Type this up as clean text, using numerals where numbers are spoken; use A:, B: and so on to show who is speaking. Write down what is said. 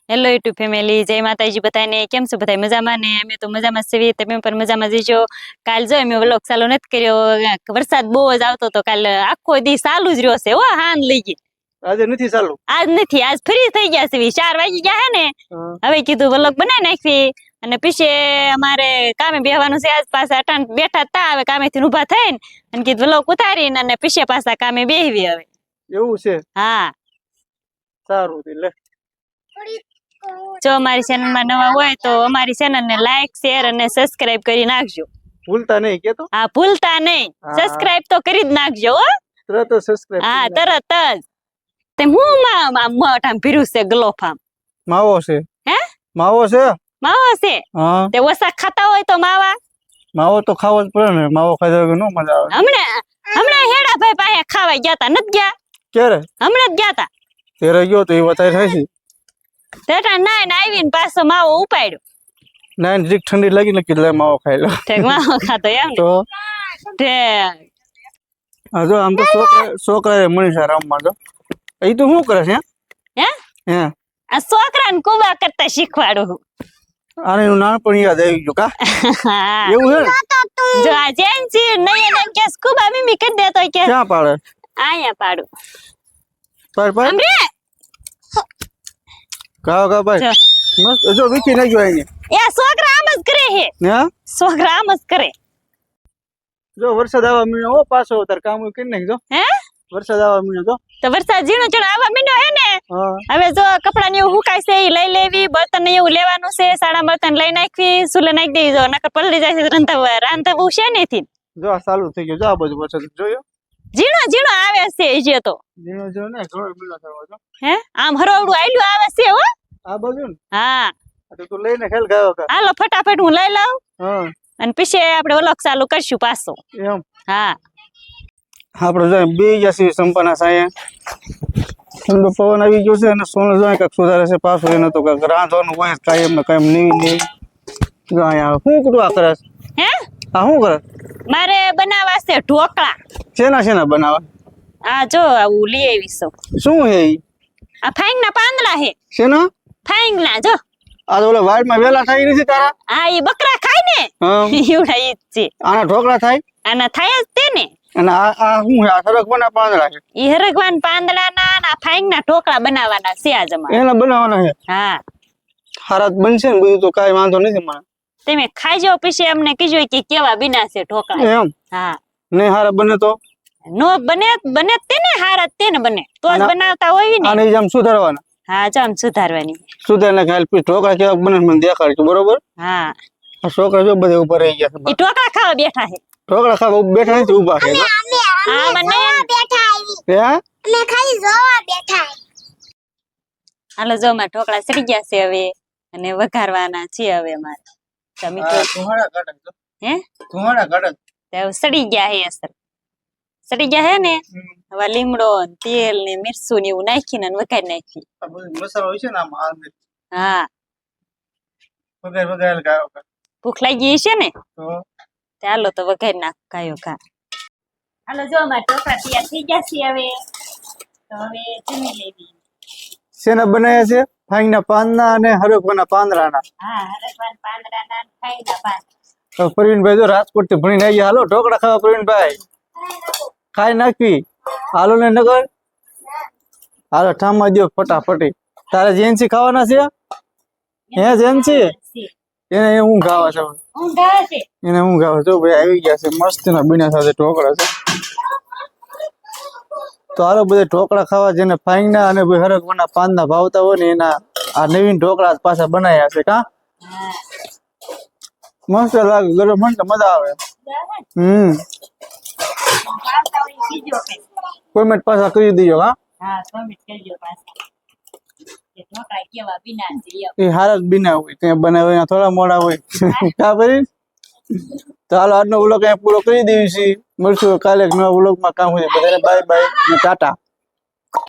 A: Hello YouTube family, જય માતાજી બધાને. કેમ છો બધા? મજામાં ને? અમે તો મજામાં છીએ, તમે પણ મજામાં જઈજો. કાલ જો અમે વ્લોગ ચાલુ નથી કર્યો, વરસાદ બહુ જ આવતો તો કાલ આખો દી ચાલુ જ રહ્યો છે. હો હાન લઈ ગઈ.
B: આજે નથી ચાલુ?
A: આજ નથી, આજ ફ્રી થઈ ગયા છે. 4 વાગી ગયા હે ને, હવે કીધું વ્લોગ બનાવી નાખી. અને પીછે અમારે કામે બેહવાનું છે. આજ પાછા અટાણ બેઠા તા, હવે કામેથી ઊભા થઈને અને કીધું વ્લોગ ઉતારીને અને પીછે પાછા કામે બેહવી હવે.
B: એવું છે?
A: હા,
B: સારું લે.
A: જો અમારી ચેનલ માં નવા હોય તો અમારી ચેનલ ને લાઈક, શેર અને સબસ્ક્રાઇબ કરી નાખજો.
B: ભૂલતા નહીં કે તો?
A: હા, ભૂલતા નહીં. સબસ્ક્રાઇબ તો કરી જ નાખજો હો.
B: તરત સબસ્ક્રાઇબ.
A: હા, તરત જ. તે હું મોઢામાં ભીરું છે ગલોફામ.
B: માવો છે?
A: હે?
B: માવો છે?
A: માવો છે?
B: હા.
A: તે ઓસા ખાતા હોય તો માવા?
B: માવો તો ખાવો જ પડે ને, માવો ખાઈ તો નો મજા આવે.
A: હમણાં હેડા ભાઈ પાસે ખાવા ગયા તા, નથી ગયા?
B: ક્યારે?
A: હમણાં જ ગયા તા.
B: તેરે ગયો તો એ વધારે થાય છે.
A: તેટા નાઈને આવીને પાછો માવો ઉપાડ્યો.
B: નાઈન જીક ઠંડી લાગી ને કીધું માવો ખાઈ લો.
A: ઠેક માવો ખાતો એમ ને?
B: તો
A: ઠેક.
B: હા, જો આમ તો છોકરા મનીષા રમવા જો. એ તો શું કરે છે?
A: હે?
B: હે?
A: આ છોકરાને કુબા કરતા શીખવાડું.
B: આને એનું નાનપણ યાદ આવી ગયું કા? એવું છે ને?
A: જો આ જેન્સી નહીં એમ કે કુબા મીમી કરી દે તો કે
B: ક્યાં પાડે?
A: આયા પાડું.
B: પાડ
A: અમરે
B: કા ભાઈ મસ્ત જો વીખી નાખ્યો આને.
A: એ છોકરા આમ જ કરે હે.
B: હે?
A: છોકરા આમ જ કરે.
B: જો વરસાદ આવવા મીણ્યો હો, પાછો તાર કામ કરી નાખજો.
A: હે?
B: વરસાદ આવવા મીણ્યો તો.
A: તો વરસાદ ઝીણો ઝીણો આવવા મીંડ્યો હે ને. હવે જો કપડા ને એવું હુકાય છે એ લઈ લેવી, બર્તન ને એવું લેવાનું છે, સાડા બર્તન લઈ નાખવી, સુલે નાખી દેવી. જો નકર પલળી જાય છે રાંધવું છે નથી.
B: જો આ ચાલુ થઈ ગયો. જો આ બધું વરસાદ જોયો?
A: ઝીણો ઝીણો આવે છે જે તો.
B: ઝીણો ઝીણો ને ઘણો મીણો થયો છે.
A: હે? આમ હરોવડું આયલું આવે છે હો.
B: આ બધું ને?
A: હા.
B: તો તું લઈને ખેલ ગાયો કા.
A: હાલો ફટાફટ હું લઈ લઉં.
B: હા.
A: અને પછી આપણે વ્લોગ ચાલુ કરશું પાછો.
B: એમ?
A: હા.
B: આપણે જો બે જશે સંપાના સાયા. ઠંડો પવન આવી ગયો છે અને સોનું જો કાંઈક સુધારે છે પાછું. એને તો કાંઈક રાંધવાનું હોય કાયમ ને કાયમ નહીં. જો અહીંયા શું કરું આ કરે?
A: હે?
B: આ શું કરે?
A: મારે બનાવવા છે ઢોકળા.
B: શેના બનાવવા?
A: આ જો આવું લઈ આવી છું.
B: શું હે ઈ?
A: આ ફાઈંગના પાંદડા હે.
B: શેના?
A: ફાઈંગના જો.
B: આ તો ઓલા વાડમાં વેલા થાય નથી તારા?
A: હા, ઈ બકરા ખાય ને.
B: હા.
A: એવડા ઈ જ છે.
B: આના ઢોકળા થાય?
A: આના થાય જ તે ને.
B: અને આ શું છે? આ સરગવાના પાંદડા છે?
A: ઈ હરગવાન પાંદડાના અને આ ફાઈંગના ઢોકળા બનાવવાના છે આજ અમારે.
B: એના બનાવવાના છે?
A: હા.
B: હારા બનશે ને બધું તો કાંઈ વાંધો નથી મને.
A: તમે ખાઈ જાવ પછી અમને કીજો કે કેવા બીના છે ઢોકળા.
B: એમ?
A: હા.
B: નહીં હારા બને તો?
A: નો બને તેને હારા તેને બને તો જ બનાવતા હોય ને.
B: આને આમ સુધારવાના?
A: હા, જો આમ સુધારવાની.
B: સુધારને ખાલી પછી ઢોકળા કેવા બને મને દેખાડજો બરોબર?
A: હા.
B: આ છોકરા જો બધે ઉભા રહી ગયા છે.
A: ઈ ઢોકળા ખાવા બેઠા છે.
B: ઢોકળા ખાવા બેઠા નથી, ઉભા છે.
A: હા, મને
C: બેઠા આવી.
B: હે?
C: અમે ખાલી જોવા બેઠા.
A: હાલો જો માં ઢોકળા સડી ગયા છે હવે અને વઘારવાના છે હવે અમારે. ટમેટો
B: ધુમાડા કાઢે તો.
A: હે?
B: ધુમાડા કાઢે.
A: તે સડી ગયા હે અસર. સડી ગયા હે ને. હવે લીમડો ને તેલ ને મિરચું ને એવું નાખીને વઘારી નાખી.
B: આ બધું મસાલો હોય છે ને આમાં અંદર.
A: હા.
B: વઘાર ગાયો કા.
A: ભૂખ લાગી છે ને
B: તો
A: ચાલો તો વઘારી નાખ ગાયો કા. હાલો જો અમાર ઢોકળા તૈયાર થઈ ગયા છે હવે. તો હવે જમી લેવી.
B: શેના બનાવ્યા છે? ફાઈના પાંદના અને હરકવાના પાંદડાના.
A: હા, હરકવાન પાંદડાના ને ફાઈના પાન.
B: તો પ્રવીણભાઈ જો રાજકોટ થી ભણીને આવી. હાલો ઢોકળા ખાવા પ્રવીણભાઈ. ખાઈ નાખવી. હાલો ને નગર. હાલો ઠામા દો ફટાફટી. તારે જેન્સી ખાવાના છે? હે જેન્સી? એને ઊંઘ આવે છે.
A: ઊંઘ આવે છે.
B: એને ઊંઘ આવે છે. ભાઈ આવી ગયા છે મસ્ત ના બીના સાથે ઢોકળા છે. તો હાલો બધા ઢોકળા ખાવા જેને ફાઈના અને હરકવાના પાંદના ભાવતા હોય ને એના આ નવીન ઢોકળા પાછા બનાવ્યા છે કા? મસ્ત લાગે ગરમ હોય ને મજા આવે. કોમેન્ટ પાછા કરી દીજો.
A: હા, કોમેન્ટ કરજો પાછા કે ઢોકળા કેવા બીના છે.
B: એ હારા જ બીના હોય ત્યાં બનાવે થોડા મોડા હોય કા કરી. તો હાલો આજનો વ્લોગ અહીંયા પૂરો કરી દેવી છે. મળશું કાલે નવા વ્લોગમાં. કામ હોય બધાને બાય બાય અને ટાટા.